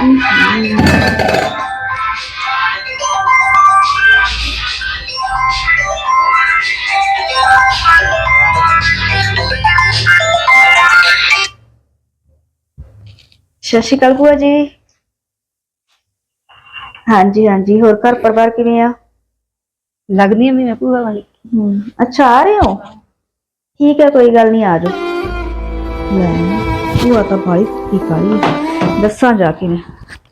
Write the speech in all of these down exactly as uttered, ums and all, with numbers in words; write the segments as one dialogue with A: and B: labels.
A: सत श्री अकाल भूआ जी। हाँ जी हाँ जी, होर घर परिवार किवें आ?
B: लगदी है मैं भूआ वाली।
A: अच्छा आ रहे हो, ठीक है कोई गल नहीं, आ जाओ। भूआ तो भाई की काली दसा जाके मैं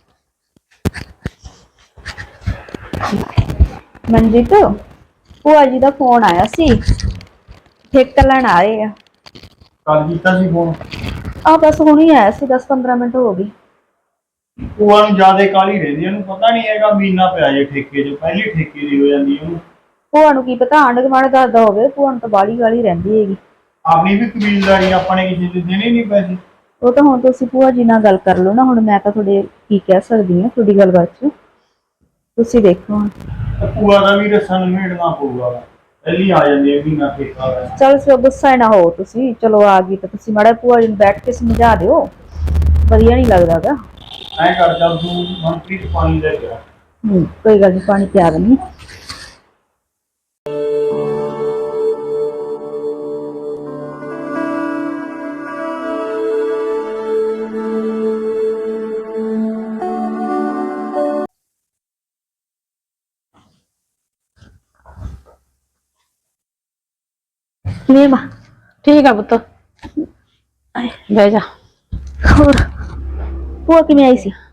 A: मनजीत भूआ जी का फोन आया सी, ठेका लैन आ रहे हैं।
C: कल कीता सी फोन?
A: आ बस हुणी आया सी, दस पंद्रह मिनट हो गई।
C: ਭੂਆ ਨੂੰ ਜ਼ਿਆਦਾ ਕਾਲੀ ਰਹਿੰਦੀ, ਇਹਨੂੰ ਪਤਾ ਨਹੀਂ ਹੈਗਾ ਮਹੀਨਾ ਪਿਆ ਜੇ ਠੇਕੇ 'ਚ, ਪਹਿਲੀ ਠੇਕੇ ਦੀ ਹੋ ਜਾਂਦੀ ਉਹਨੂੰ।
A: ਭੂਆ ਨੂੰ ਕੀ ਪਤਾ ਆਂਢ ਗੁਆਂਢ ਦੱਸਦਾ ਹੋਵੇ, ਭੂਆ ਨੂੰ ਤਾਂ ਬਾਹਲੀ ਗਾਲੀ ਰਹਿੰਦੀ ਹੈਗੀ।
C: ਆਪਣੀ ਵੀ ਕਬੀਲਦਾਰੀ, ਆਪਾਂ ਨੇ ਕਿਸੇ ਦੇ ਦੇਣੇ ਨਹੀਂ ਪੈਸੇ।
A: ਉਹ ਤਾਂ ਹੁਣ ਤੁਸੀਂ ਭੂਆ ਜੀ ਨਾਲ ਗੱਲ ਕਰ ਲਓ ਨਾ, ਹੁਣ ਮੈਂ ਤਾਂ ਤੁਹਾਡੇ ਕੀ ਕਹਿ ਸਕਦੀ ਹਾਂ ਤੁਹਾਡੀ ਗੱਲਬਾਤ 'ਚ, ਤੁਸੀਂ ਦੇਖੋ ਹੁਣ।
C: ਭੂਆ ਦਾ ਵੀ ਰਸਾ ਨਿਮੇੜਨਾ ਪਊਗਾ, ਪਹਿਲੀ ਆ ਜਾਂਦੀ ਹੈ ਮਹੀਨਾ ਠੇਕਾ।
A: ਚਲ ਸੋ ਗੁੱਸਾ ਨਾ ਹੋ ਤੁਸੀਂ, ਚਲੋ ਆ ਗਈ ਤਾਂ ਤੁਸੀਂ ਮਾੜਾ ਭੂਆ ਜੀ ਨੂੰ ਬੈਠ ਕੇ ਸਮਝਾ ਦਿਓ, ਵਧੀਆ ਨਹੀਂ ਲੱਗਦਾ ਗਾ।
C: ਐਂ ਕਰ ਚੱਲ ਤੂੰ ਮਨਪ੍ਰੀਤ ਪਾਣੀ ਲੈ ਕੇ ਆ।
A: ਹੂੰ ਕੋਈ ਗੱਲ ਨਹੀਂ, ਪਾਣੀ ਪਿਆ ਦਿੰਦੀ। ਕਿਵੇਂ ਮਾਂ?
B: ठीक है पुत्त, बह जा।
A: ਹੋਰ ਭੂਆ ਕਿਵੇਂ ਆਈ ਸੀ?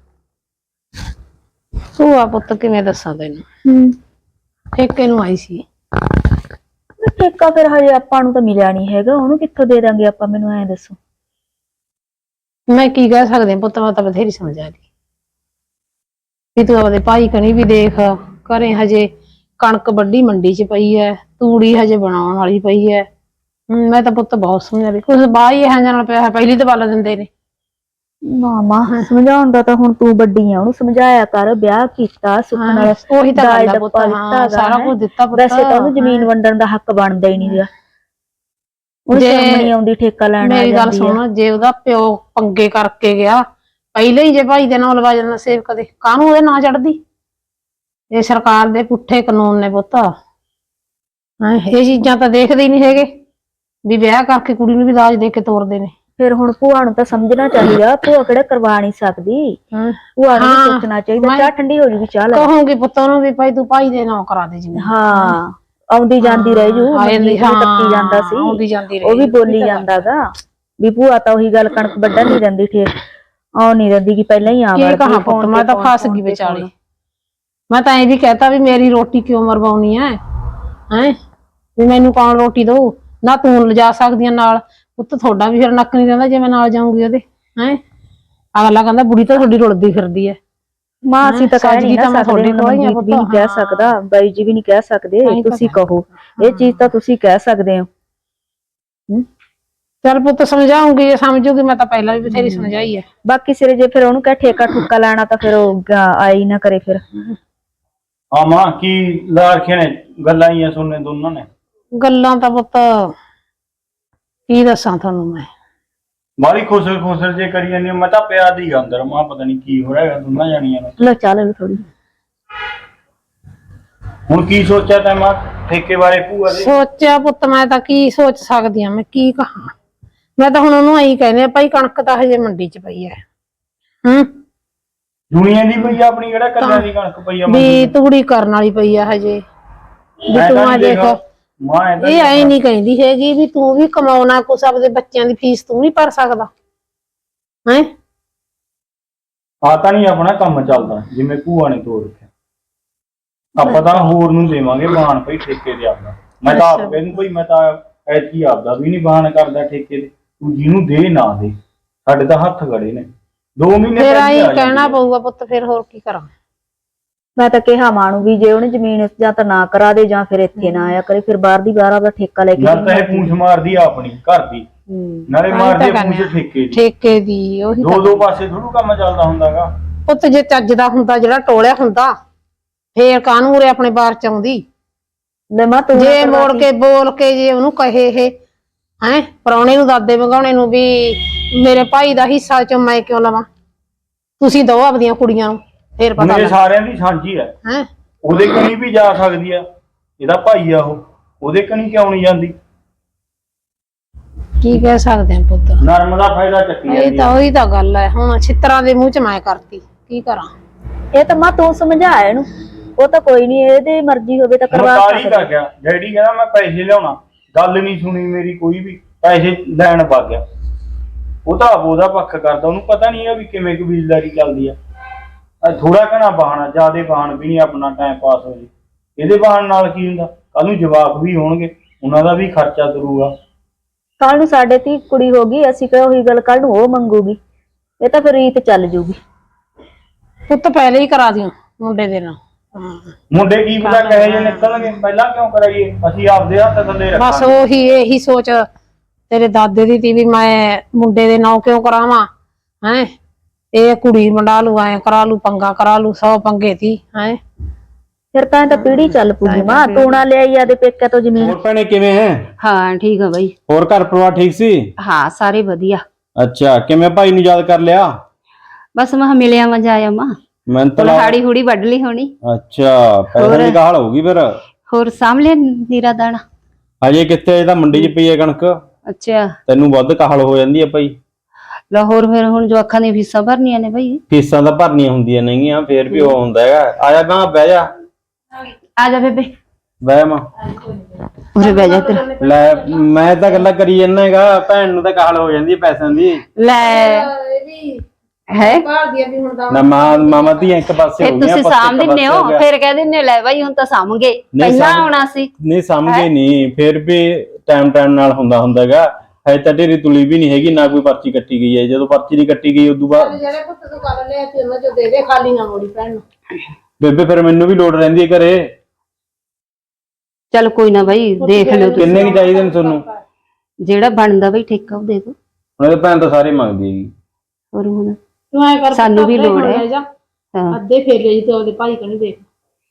B: ਭੂਆ ਪੁੱਤ ਕਿਵੇਂ ਦੱਸਾਂ ਤੈਨੂੰ,
A: ਹੂੰ
B: ਠੇਕੇ ਨੂੰ ਆਈ ਸੀ।
A: ਠੇਕਾ ਫਿਰ ਹਜੇ ਆਪਾਂ ਨੂੰ ਤਾਂ ਮਿਲਿਆ ਨਹੀਂ ਹੈਗਾ, ਉਹਨੂੰ ਕਿੱਥੋਂ ਦੇ ਦਾਂਗੇ ਆਪਾਂ, ਮੈਨੂੰ ਐਂ ਦੱਸੋ।
B: ਮੈਂ ਕੀ ਕਹਿ ਸਕਦੇ ਪੁੱਤ, ਮੈਂ ਤਾਂ ਬਥੇਰੀ ਸਮਝਾ ਲਈ ਵੀ ਤੂੰ ਆਪਦੇ ਭਾਈ ਕਣੀ ਵੀ ਦੇਖ, ਘਰੇ ਹਜੇ ਕਣਕ ਵੱਢੀ ਮੰਡੀ 'ਚ ਪਈ ਐ, ਤੂੜੀ ਹਜੇ ਬਣਾਉਣ ਵਾਲੀ ਪਈ ਐ। ਮੈਂ ਤਾਂ ਪੁੱਤ ਬਹੁਤ ਸਮਝਾ ਲਈ, ਕੁਛ ਬਾਹਰ ਹੀ ਇਹੋ ਜਿਹਾ ਨਾਲ ਪਿਆ, ਪਹਿਲੀ ਤੇ ਬਾਲ ਦਿੰਦੇ ਨੇ।
A: ਮਾਮਾ ਸਮਝਾਉਣ ਦਾ ਤਾਂ ਹੁਣ ਤੂੰ ਵੱਡੀ ਆ, ਉਹਨੂੰ ਸਮਝਾਇਆ ਕਰ, ਵਿਆਹ ਕੀਤਾ ਸੁੱਖ ਨਾਲ,
B: ਉਹੀ ਤਾਂ
A: ਦਾਜ
B: ਗੱਲ ਆ ਪੁੱਤ,
A: ਡੱਪਾ
B: ਹਾਂ
A: ਦਿੱਤਾ
B: ਸਾਰਾ ਕੁਝ ਦਿੱਤਾ ਪੁੱਤ।
A: ਵੈਸੇ ਤਾਂ ਉਹਨੂੰ ਜ਼ਮੀਨ ਵੰਡਣ ਦਾ ਹੱਕ ਬਣਦਾ ਹੀ ਨਹੀਂ ਗਾ, ਉਹ ਸ਼ਰਮ ਨਹੀਂ ਆਉਂਦੀ ਠੇਕਾ ਲੈਣ ਆ ਜਾਂਦੀ।
B: ਮੇਰੀ ਗੱਲ ਸੁਣ, ਜੇ ਉਹਦਾ ਪਿਓ ਪੰਗੇ ਕਰਕੇ ਗਿਆ ਪਹਿਲੇ ਹੀ, ਜੇ ਭਾਈ ਦੇ ਨਾਲ ਲਵਾ ਜਾਂਦਾ ਸੇਵ, ਕਦੇ ਕਾਹਨੂੰ ਉਹਦੇ ਨਾਂ ਚੜਦੀ। ਇਹ ਸਰਕਾਰ ਦੇ ਪੁੱਠੇ ਕਾਨੂੰਨ ਨੇ ਪੁੱਤ, ਇਹ ਚੀਜ਼ਾਂ ਤਾਂ ਦੇਖਦੇ ਹੀ ਨਹੀਂ ਹੈਗੇ ਵੀ ਵਿਆਹ ਕਰਕੇ ਕੁੜੀ ਨੂੰ ਵੀ ਦਾਜ ਦੇ ਕੇ ਤੋਰਦੇ ਨੇ।
A: ਫਿਰ ਹੁਣ ਭੂਆ ਨੂੰ ਤਾਂ ਸਮਝਣਾ ਚਾਹੀਦਾ, ਭੂਆ ਕਿਹੜਾ ਕਰਵਾ ਨਹੀਂ ਸਕਦੀ, ਭੂਆ ਨੂੰ ਸੋਚਣਾ ਚਾਹੀਦਾ। ਚਾਹ ਠੰਡੀ ਹੋ ਜੂਗੀ, ਚਾਹ ਲੈ
B: ਕਹੂੰਗੀ ਪੁੱਤ ਉਹਨੂੰ ਵੀ ਭਾਈ ਤੂੰ ਭਾਈ ਦੇ ਨਾਂ ਕਰਾ ਦੇ ਜਿਵੇਂ।
A: ਹਾਂ ਆਉਂਦੀ ਜਾਂਦੀ ਰਹਿ ਜੂ, ਟੱਪੀ ਜਾਂਦਾ ਸੀ, ਉਹ ਵੀ ਬੋਲੀ ਜਾਂਦਾ ਗਾ ਵੀ ਭੂਆ ਤਾਂ ਉਹੀ ਗੱਲ ਕਣਕ ਵੱਢਣ ਨਹੀਂ ਦਿੰਦੀ, ਠੇਕ ਆਉ ਨਹੀਂ ਦਿੰਦੀ ਕਿ ਪਹਿਲਾਂ ਹੀ ਆ ਵੜਦੀ।
B: ਕਹਾ ਪੁੱਤ ਮੈਂ ਤਾਂ ਫਸ ਗਈ ਵਿਚਾਲੇ, ਮੈਂ ਤਾਂ ਇਹ ਵੀ ਕਹਿਤਾ ਵੀ ਮੇਰੀ ਰੋਟੀ ਕਿਉਂ ਮਰਵਾਉਣੀ ਹੈ, ਹੈ ਵੀ ਮੈਨੂੰ ਕੌਣ ਰੋਟੀ ਦਊ, ਨਾ ਤੂੰ ਲਿਜਾ ਸਕਦੀਆਂ ਨਾਲ ਪੁੱਤ, ਤੁਹਾਡਾ ਵੀ ਫਿਰ ਨੱਕ ਨਹੀਂ ਰਹਿੰਦਾ ਜੇ ਮੈਂ ਨਾਲ ਜਾਊਂਗੀ ਉਹਦੇ। ਹੈ ਅਗਲਾ ਕਹਿੰਦਾ ਬੁੜੀ ਤਾਂ ਤੁਹਾਡੀ ਰੁਲਦੀ ਫਿਰਦੀ ਹੈ।
A: ਮਾਂ ਅਸੀਂ ਤਾਂ ਕਹਿ ਨਹੀਂ ਨਾ ਸਕਦੇ, ਮਨਜੀਤ ਵੀ ਨਹੀਂ ਕਹਿ ਸਕਦਾ, ਬਾਈ ਜੀ ਵੀ ਨਹੀਂ ਕਹਿ ਸਕਦੇ, ਤੁਸੀਂ ਕਹੋ ਇਹ ਚੀਜ਼ ਤਾਂ ਤੁਸੀਂ ਕਹਿ ਸਕਦੇ ਹੋ।
B: ਚੱਲ ਪੁੱਤ ਸਮਝਾਉਂਗੀ, ਜੇ ਸਮਝੂਗੀ, ਮੈਂ ਤਾਂ ਪਹਿਲਾਂ ਵੀ ਬਥੇਰੀ ਸਮਝਾਈ ਹੈ।
A: ਬਾਕੀ ਸਿਰੇ ਜੇ ਫਿਰ ਉਹਨੂੰ ਕਹਿ ਠੇਕਾ ਠੁੱਕਾ ਲੈਣਾ ਤਾਂ ਫਿਰ ਉਹ ਆਈ ਨਾ ਕਰੇ ਫਿਰ।
C: ਹਾਂ ਮਾਂ ਕੀ ਲਾ ਰੱਖੇ ਨੇ ਗੱਲਾਂ ਹੀ ਆ ਸੁਣਨੇ ਦੋਨਾਂ ਨੇ।
B: ਗੱਲਾਂ ਤਾਂ ਪੁੱਤ ਕੀ ਦੱਸਾਂ ਤੁਹਾਨੂੰ ਮੈਂ,
C: ਬਾਲੀ ਖੁਸਰ ਖੁਸਰ ਜੇ ਕਰੀ ਜਾਂਦੀ, ਮੈਂ ਤਾਂ ਪਿਆ ਦੀ ਅੰਦਰ, ਮਾਂ ਪਤਾ ਨਹੀਂ ਕੀ ਹੋ ਰਿਹਾ ਦੋਨਾਂ ਜਾਣੀਆਂ ਨੂੰ।
A: ਲੋ ਚਾਹ ਲੈ ਥੋੜੀ।
C: ਹੁਣ ਕੀ ਸੋਚਿਆ ਤੈਂ ਮਾਂ ਠੇਕੇ ਬਾਰੇ ਭੂਆ ਦੇ?
B: ਸੋਚਿਆ ਪੁੱਤ ਮੈਂ ਤਾਂ ਕੀ ਸੋਚ ਸਕਦੀ ਆ, ਮੈਂ ਕੀ ਕਹਾਂ, ਮੈਂ ਤਾਂ ਹੁਣ ਉਹਨੂੰ ਐਂ ਕਹਿੰਦੇ ਆ ਭਾਈ ਕਣਕ ਤਾਂ ਹਜੇ ਮੰਡੀ 'ਚ ਪਈ ਹੈ। ਹੂੰ
C: ਦੁਨੀਆ ਦੀ ਪਈ ਆ, ਆਪਣੀ ਕਿਹੜਾ ਕੱਲਿਆਂ ਦੀ ਕਣਕ ਪਈ ਆ
B: ਵੀ ਤੂੜੀ ਕਰਨ ਵਾਲੀ ਪਈ ਆ ਹਜੇ, ਵੀ ਤੂੰ ਆ ਦੇਖ ਇਹ ਐ ਨਹੀਂ ਕਹਿੰਦੀ ਹੈਗੀ ਵੀ ਤੂੰ ਵੀ ਕਮਾਉਣਾ ਕੁਛ, ਆਪਦੇ ਬੱਚਿਆਂ ਦੀ ਫੀਸ ਤੂੰ ਨਹੀਂ ਭਰ ਸਕਦਾ ਹੈ।
C: ਆ ਤਾਂ ਨਹੀਂ ਆਪਣਾ ਕੰਮ ਚੱਲਦਾ ਜਿਵੇਂ ਭੂਆ ਨੇ ਤੋੜ ਰੱਖਿਆ, ਆਪਾਂ ਤਾਂ ਹੋਰ ਨੂੰ ਦੇਵਾਂਗੇ ਬਾਣ ਭਾਈ ਠੇਕੇ ਦੇ ਆਪਦਾ। ਮੈਂ ਤਾਂ ਆਪ ਕਹਿੰਦਾ ਭਾਈ ਮੈਂ ਤਾਂ ਐਤਕੀ ਆਪਦਾ ਵੀ ਨਹੀਂ ਬਾਣ ਕਰਦਾ ਠੇਕੇ ਦੇ, ਤੂੰ ਜਿਹਨੂੰ ਦੇ ਨਾ ਦੇ, ਸਾਡੇ ਤਾਂ ਹੱਥ ਗੜੇ ਨੇ ਦੋ ਮਹੀਨੇ
B: ਫਿਰ ਆਈ ਕਹਿਣਾ ਪਊਗਾ ਪੁੱਤ, ਫਿਰ ਹੋਰ ਕੀ ਕਰਾਂ।
A: ਮੈਂ ਤਾਂ ਕਿਹਾ ਮਾਂ ਨੂੰ ਵੀ ਜੇ ਉਹਨੇ ਜ਼ਮੀਨ ਜਾਂ ਤਾਂ ਨਾ ਕਰਾ ਦੇ ਜਾਂ ਫਿਰ ਇੱਥੇ ਨਾ ਆਇਆ ਕਰੇ, ਫਿਰ ਬਾਹਰ ਦੀ ਬਾਹਰ ਆਪਦਾ ਠੇਕਾ ਲੈ ਕੇ
C: ਨਾ ਤਾਂ ਇਹ ਪੂੰਛ ਮਾਰਦੀ ਆ ਆਪਣੀ ਘਰ ਦੀ, ਨਾਲੇ ਮਾਰਦੀ ਆ ਪੂੰਛ ਠੇਕੇ ਦੀ,
B: ਠੇਕੇ ਦੀ ਉਹੀ
C: ਦੋ ਦੋ ਪਾਸੇ ਥੋੜੂ ਕੰਮ ਚੱਲਦਾ ਹੁੰਦਾਗਾ
B: ਪੁੱਤ। ਜੇ ਚੱਜ ਦਾ ਹੁੰਦਾ ਜਿਹੜਾ ਟੋਲਿਆ ਹੁੰਦਾ ਫੇਰ ਕਾਹਨੂੰ ਉਰੇ ਆਪਣੇ ਬਾਹਰ ਚ ਆਉਂਦੀ, ਜੇ ਮੋੜ ਕੇ ਬੋਲ ਕੇ ਜੇ ਉਹਨੂੰ ਕਹੇ ਇਹ ਹੈ ਪ੍ਰਾਹੁਣੇ ਨੂੰ ਦਾਦੇ ਵਗਾਉਣੇ ਨੂੰ ਵੀ ਮੇਰੇ ਭਾਈ ਦਾ ਹਿੱਸਾ ਚੋਂ ਮੈਂ ਕਿਉਂ ਲਵਾਂ, ਤੁਸੀਂ ਦੋ ਆਪਦੀਆਂ ਕੁੜੀਆਂ ਨੂੰ ਫੇਰ ਪਤਾ
C: ਮੇਰੇ
B: ਲੱਗ
C: ਸਾਰਿਆਂ ਦੀ ਸਾਂਝੀ ਹੈ
B: ਹੈ।
C: ਉਹਦੇ ਕਣੀ ਵੀ ਜਾ ਸਕਦੀ ਆ, ਇਹਦਾ ਭਾਈ ਆ ਉਹ, ਉਹਦੇ ਕਣੀ ਕਿਉਂ ਨਹੀਂ ਜਾਂਦੀ?
B: ਕੀ ਕਹਿ ਸਕਦੇ ਆ ਪੁੱਤ,
C: ਨਰਮ ਦਾ ਫਾਇਦਾ ਚੱਕੀ
B: ਇਹ
C: ਜਾਂਦੀ
B: ਤਾਂ
C: ਆ।
B: ਉਹੀ ਤਾਂ ਗੱਲ ਹੈ। ਹੁਣ ਛਿੱਤਰਾਂ ਦੇ ਮੂੰਹ ਚ ਮੈਂ ਕਰਤੀ, ਕੀ ਕਰਾਂ?
A: ਇਹ ਤਾਂ ਮਾਂ ਤੂੰ ਸਮਝਾ ਇਹਨੂੰ, ਉਹ ਤਾਂ ਕੋਈ ਨਹੀਂ, ਇਹਦੀ ਮਰਜ਼ੀ ਹੋਵੇ ਤਾਂ ਕਰਵਾ
C: ਮਕਾਲੀ
A: ਸਕਦਾ।
C: ਕਰ ਗਿਆ ਡੈਡੀ, ਕਹਿੰਦਾ ਮੈਂ ਪੈਸੇ ਲਿਆਉਣਾ, ਗੱਲ ਨਹੀਂ ਸੁਣੀ ਮੇਰੀ ਕੋਈ ਵੀ, ਪੈਸੇ ਲੈਣ ਵਗ ਗਿਆ। ਉਹ ਤਾਂ ਆਪ ਉਹਦਾ ਪੱਖ ਕਰਦਾ, ਉਹਨੂੰ ਪਤਾ ਨਹੀਂ ਹੈ ਵੀ ਕਿਵੇਂ ਕਬੀਲਦਾਰੀ ਚੱਲਦੀ ਆ। ਥੋੜਾ ਘਣਾ ਬਹਾਨਾ, ਜਿਆਦੇ ਬਹਾਨ ਵੀ ਨਹੀਂ, ਆਪਣਾ ਟਾਈਮ ਪਾਸ ਹੋ ਜੇ। ਇਹਦੇ ਬਹਾਨ ਨਾਲ ਕੀ ਹੁੰਦਾ, ਕੱਲ ਨੂੰ ਜਵਾਕ ਵੀ ਹੋਣਗੇ, ਉਹਨਾਂ ਦਾ ਵੀ ਖਰਚਾ ਤੁਰੂਗਾ।
A: ਕੱਲ ਨੂੰ ਸਾਡੇ ਧੀ ਕੁੜੀ ਹੋ ਗਈ, ਅਸੀਂ ਕਿਹਾ ਉਹੀ ਗੱਲ ਕੱਲ ਨੂੰ ਉਹ ਮੰਗੂਗੀ, ਇਹ ਤਾਂ ਫਿਰ ਰੀਤ ਚੱਲ ਜੂਗੀ।
B: ਪੁੱਤ ਪਹਿਲੇ ਹੀ ਕਰਾ ਦਿਓ ਮੁੰਡੇ ਦੇ ਨਾਲ।
C: ਮੁੰਡੇ ਕੀ ਪਤਾ ਕਹੇ ਜੇ ਨਿਕਲਣਗੇ, ਪਹਿਲਾਂ ਕਿਉਂ ਕਰਾਈਏ? ਅਸੀਂ ਆਪਦੇ ਹੱਥ ਥੱਲੇ
B: ਬਸ
C: ਰੱਖਾਂਗੇ।
B: ਉਹੀ ਇਹੀ ਸੋਚ ਤੇਰੇ ਦਾਦੇ ਦੀ ਤੀ ਵੀ ਮੈਂ ਮੁੰਡੇ ਦੇ ਨਾਂ ਕਿਉਂ ਕਰਾਵਾਂ ਹੈ। ਇਹ ਕੁੜੀ ਮੰਡਾ ਲੂ, ਐ ਕਰਾ ਲੂ, ਪੰਗਾ ਕਰਾ ਲੂ, ਸੌ ਪੰਗੇ ਤੀ ਹੈ।
A: ਫਿਰ ਤਾਂ ਇਹ ਤਾਂ ਪੀੜੀ ਚੱਲ ਪੂਗੀ ਮਾਂ, ਤੂੰ ਨਾ ਲਿਆਈ ਆਦੇ ਪੇਕੇ ਤੋਂ ਜ਼ਮੀਨ।
D: ਹੋਰ ਭੈਣੇ ਕਿਵੇਂ ਹੈ?
E: ਹਾਂ ਠੀਕ ਆ ਬਾਈ।
D: ਹੋਰ ਘਰ ਪਰਿਵਾਰ ਠੀਕ ਸੀ?
E: ਹਾਂ ਸਾਰੇ ਵਧੀਆ।
D: ਅੱਛਾ, ਕਿਵੇਂ ਭਾਈ ਨੂੰ ਯਾਦ ਕਰ ਲਿਆ?
E: ਬਸ ਮੈਂ ਮਿਲਿਆ ਮਜ਼ਾ ਆਇਆ ਮਾਂ।
D: ਮੈਂ ਤਾਂ
E: ਹੁਣ ਹਾੜੀ ਹੂੜੀ ਵੱਢ ਲਈ ਹੋਣੀ।
D: ਅੱਛਾ, ਪੈਸੇ ਦੀ ਗਾਲ ਹੋਊਗੀ ਫਿਰ।
E: ਹੋਰ ਸਾਹਮਣੇ ਨੀਰਾ ਦਾਣਾ।
D: ਹਜੇ ਕਿੱਥੇ, ਇਹਦਾ ਮੰਡੀ 'ਚ ਪਈ ਹੈ ਕਣਕ।
E: ਅੱਛਾ,
D: ਤੈਨੂੰ ਵੱਧ ਕਾਹਲ ਹੋ ਜਾਂਦੀ ਹੈ ਭਾਈ।
E: ਲਾਹੌਰ ਫਿਰ ਹੁਣ ਜੋ ਅੱਖਾਂ ਦੀਆਂ ਫੀਸਾਂ ਭਰਨੀਆਂ ਨੇ ਭਾਈ।
D: ਫੀਸਾਂ ਤਾਂ ਭਰਨੀਆਂ ਹੁੰਦੀਆਂ ਨਹੀਂਆਂ, ਫੇਰ ਵੀ ਉਹ ਹੁੰਦਾ ਹੈਗਾ। ਆਇਆ ਗਾਂ ਬਹਿ ਜਾ,
E: ਆ ਜਾ ਬੇਬੇ,
D: ਬਹਿ ਮਾਂ।
E: ਉਰੇ ਬਹਿ ਜਾ ਤੇਰਾ।
D: ਲੈ ਮੈਂ ਤਾਂ ਗੱਲਾਂ ਕਰੀ ਜਾਂਦਾ ਹੈਗਾ, ਭੈਣ ਨੂੰ ਤਾਂ ਕਾਹਲ ਹੋ ਜਾਂਦੀ ਹੈ ਪੈਸਿਆਂ ਦੀ।
E: ਲੈ ਹੈ
D: ਨਾ ਮਾਂ ਮਾਮਾ ਧੀਆਂ ਇੱਕ ਪਾਸੇ ਹੋ
E: ਫਿਰ
D: ਗਈਆਂ,
E: ਤੁਸੀਂ
D: ਪੁੱਤ ਇੱਕ
E: ਸਾਂਭ ਦਿੰਨੇ
D: ਪਾਸੇ
E: ਹੋ,
D: ਹੋ ਗਿਆ।
E: ਫਿਰ ਕਹਿ ਦਿੰਨੇ ਲੈ ਭਾਈ ਹੁਣ ਤਾਂ ਸਾਂਭ ਗਏ, ਪਹਿਲਾਂ
D: ਸਾਂਭ-
E: ਆਉਣਾ ਸੀ।
D: ਨਹੀਂ ਸਮਝੇ ਨਹੀਂ, ਫਿਰ ਵੀ ਟਾਈਮ ਟਾਈਮ ਨਾਲ ਹੁੰਦਾ ਹੁੰਦਾ ਹੈਗਾ। ਹਜੇ ਤਾਂ ਢੇਰੀ ਤੁਲੀ ਵੀ ਨਹੀਂ ਹੈਗੀ, ਨਾ ਕੋਈ ਪਰਚੀ ਕੱਟੀ ਗਈ ਹੈ। ਜਦੋਂ ਪਰਚੀ ਨਹੀਂ ਕੱਟੀ ਗਈ ਉਦੋਂ ਬਾਅਦ
B: ਜਿਹੜੇ ਪੁੱਤ ਤੂੰ ਕਰ ਲਿਆ ਤੇ ਉਹਨਾਂ ਚੋਂ ਦੇ ਦੇ, ਖਾਲੀ ਨਾ ਮੋੜੀ ਭੈਣ ਨੂੰ।
D: ਬੇਬੇ ਫਿਰ ਮੈਨੂੰ ਵੀ ਲੋੜ ਰਹਿੰਦੀ ਹੈ ਘਰੇ।
E: ਚੱਲ ਕੋਈ ਨਾ ਭਾਈ, ਦੇਖ ਲਿਓ ਤੁਸੀਂ,
D: ਕਿੰਨੇ ਕੀ ਚਾਹੀਦੇ ਨੇ ਤੁਹਾਨੂੰ?
E: ਜਿਹੜਾ ਬਣਦਾ ਭਾਈ ਠੇਕਾ ਉਹ ਦੇ ਦੋ।
D: ਉਹਨਾਂ ਦੇ ਭੈਣ ਤਾਂ ਸਾਰੇ ਮੰਗਦੀ ਹੈਗੀ।
E: ਹੋਰ ਹੁਣ
B: ਤੂੰ ਐ ਕਰ,
E: ਸਾਨੂੰ ਵੀ ਲੋੜ ਹੈ।
B: ਹਾਂ, ਅੱਧੇ ਫੇਰ ਲਈ ਤੇ ਉਹਦੇ ਭਾਈ ਕਣੀ ਦੇਖ।